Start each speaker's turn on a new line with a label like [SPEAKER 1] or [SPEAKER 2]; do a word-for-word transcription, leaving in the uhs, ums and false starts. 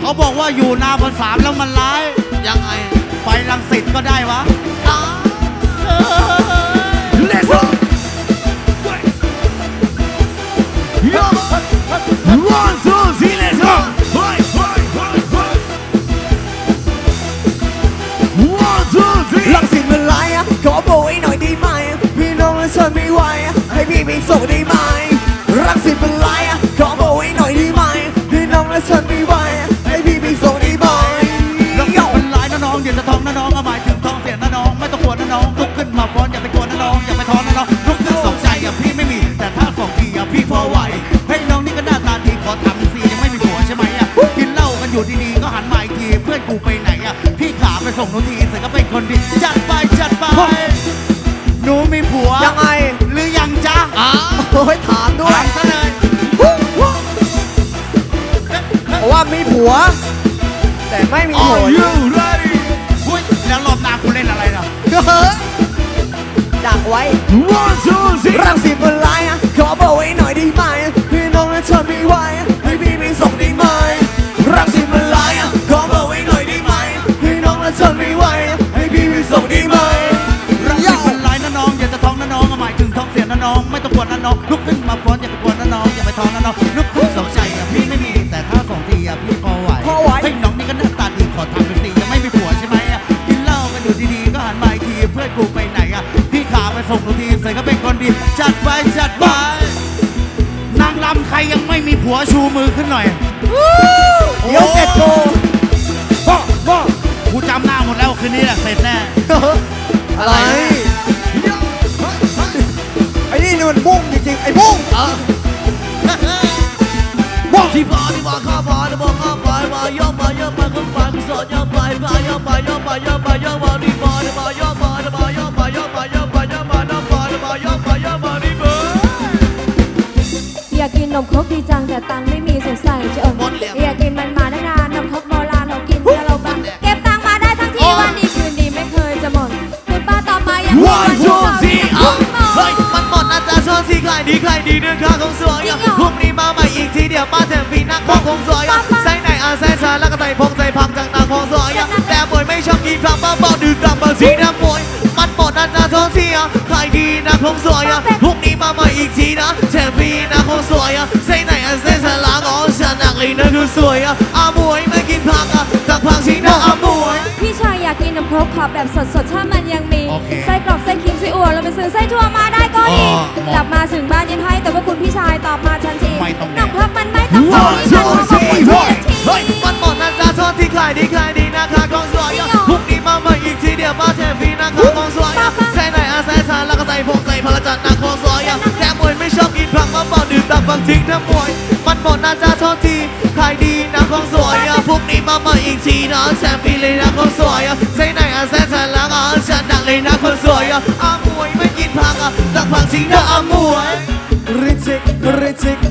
[SPEAKER 1] เขาบอกว่าอยู่นาบนสามแล้วมันร้ายยังไงไปรังสิตก็ได้วะ
[SPEAKER 2] Let's go One two three let's go One two three
[SPEAKER 3] รังสิตมันร้ายอ่ะขอโบยหน่อยได้ไหมพี่น้องและฉันไม่ไหวอ่ะให้พี่ไปส่งได้ไหมรังสิตมันร้ายอ่ะขอโบยหน่อยได้ไหมพี่น้องและฉันไม่ไหวอ่ะให้พี่ไปส่งได้ไหม
[SPEAKER 1] รังสิตมันร้ายนะน้องอย่าจะท้องนะน้องเอาหมายถึงท้องเสียนะน้องไม่ต้องกลัวนะน้องลุกขึ้นมาฟ้อนอย่าไปกลัวนะน้องอย่าไปท้อนะน้องลุกขึ้นสองใจอ่ะพี่ไม่มีแต่ถ้าสองทีอ่ะพี่พอไหวให้น้องนี่ก็หน้าตาดีขอทำฟรียังไม่มีผัวใช่ไหมอ่ะกินเหล้ากันอยู่ดีๆก็หันมาอีกทีเพื่อนกูไปไหนอ่ะพี่ขาไปส่งหนูทีเสร็จก็เป็นคนดีจัดไปจัดไปหนูมีผัว
[SPEAKER 3] ยังไง
[SPEAKER 1] หรือยังจ๊ะอ๋อ
[SPEAKER 3] โอ้ยถามด้วย
[SPEAKER 1] ถามซะเลย
[SPEAKER 3] เพราะว่ามีผัว แต่ไม่มีผัว
[SPEAKER 2] Are you ready
[SPEAKER 1] อุ้ยแล้วรอบหน้ากูเล่นอะไรล่ะ
[SPEAKER 3] ดักไว้
[SPEAKER 2] One two three
[SPEAKER 3] รังสิตมันร้ายอ่ะขอโบยหน่อยได้ไหมพี่น้องและฉันไม่ไหวอ่ะให้พี่ไปส่งได้ไหมรังสิตมันร้ายอ่ะขอโบยหน่อยได้ไหมพี่น้องและฉันไม่ไหวอ่ะให้พี่ไปส่งได้ไหม
[SPEAKER 1] รักสิมันร้ายนะน้องอย่าจะท้องนะน้องหมายถึงท้องเสียนะน้องไม่ต้องกลัวนะน้องลุกขึ้นมาฟ้อนอย่าไปกลัวนะน้องอย่าไปท้องนะน้องลุกขึ้นสองใจอ่ะพี่ไม่มีแต่ถ้าสองทีอ่ะพี่พอไหว
[SPEAKER 3] พอไหว
[SPEAKER 1] ให้น้องนี่ก็หน้าตาดีขอทำเป็นสียังไม่มีผัวใช่ไหมอ่ะกินเหล้ากันอยู่ดีๆก็หันมาอีกทีเพื่อนกูไปไหนอ่ะพี่ขาไปส่งหนูทีเสร็จก็เป็นคนดีจัดไปจัดไปนางรำใครยังไม่มีผัวชูมือขึ้นหน่อย
[SPEAKER 3] เดี๋ยวเสร็จโก
[SPEAKER 1] พ่อพ่อกูจำหน้าหมดแล้วคืนนี้แหละเสร็จแน่
[SPEAKER 3] อะไรไอ้นี่นี่มันบุ้งจริงๆไอ้บุ้ง
[SPEAKER 2] ที่ฟ้าที่ฟ้าข้าฟ้าที่ฟ้าข้าฟ้ามาย่อมาย่อมาขึ้นฟ้าสอนย่อมาฟ้าย่อมาย่อมาย่อมาย่อมาที่ฟ้าที่ฟ้าย่อมาที่ฟ้าย่อมาย่อมาย่อมาย่อมาน้ำฟ้าที่ฟ้าย่อมาย่อมาที่ฟ้า
[SPEAKER 4] อยากกินนมครกดีจังแต่ตังค์ไม่มีสงสัยจะอดอยากกินมันมาได้นานนมครกโบราณเรากินเพื่อเราบ้างเก็บตังค์มาได้ทั้งทีวันดีคืนดีไม่เคยจะหมดคุณป้าต่อมายังมีวันที่สองที่หมด
[SPEAKER 2] เฮ้ยมันหมดนะจ๊ะช่วงที่ใครดีใครดีเดือนข้าคงสวยพรุ่งนี้มาใหม่อีกทีเดียวมาแถมปีนักพองคงสวยใส่ไหนอาใส่ชาแล้วก็ใส่พงใส่พังจากนางคงสวยแต่ป่วยไม่ชอบกินคำบ้าบอกดื่มกลับมาสีน้ำมวยมันหมดนะจ๊ะช่วงที่ใครดีนะคงสวยพรุ่งนี้มาใหม่อีกทีนะแถมปีนักคงสวยใส่ไหนอาใส่ชาแล้วก็ฉันนักเลยนะคือสวยอามวยไม่กินผักจากผักสีน้ำอามวย
[SPEAKER 4] พี่ชายอยากกินนมครกขอแบบสดๆถ้ามันยังมีไส้กรอกไส้ครีมไส้อั่วเราไปซื้อไส้ถั่วมาได้ก็ดีกลับมาถึงบ้านยังให้แต่ว่าคุณพี่ชายตอบมาทันทีนมครกมันไม่ต้องโตที่ฉันขอบอกคุณพี่ที
[SPEAKER 2] เฮ้ยมันหมดนะจ๊ะโทษที่ขายดีขายดีนะคะกองสวยพรุ่งนี้มาใหม่อีกทีเดียวมาแทนฟรีนะคะกองสวยใส่ไหนอาใส่ชาแล้วก็ใส่พงใส่พลังจันทร์นะกองสวยแค่มวยไม่ชอบกินผักมาบอกดื่มตับฟังทิ้งน้ำมวยมันหมดนะจ๊ะโทษที่ขายดีนะกองสวยพรุ่งนี้มาใหม่อีกทีนะแชมป์ฟรีเลยนะกองสวยใส่ไหนอาใส่ชาแล้วก็ฉันดังเลยนะกองสวยอามวยไม่กินผักตักผักทิ้งนะอามวย
[SPEAKER 3] ริจิกริจิก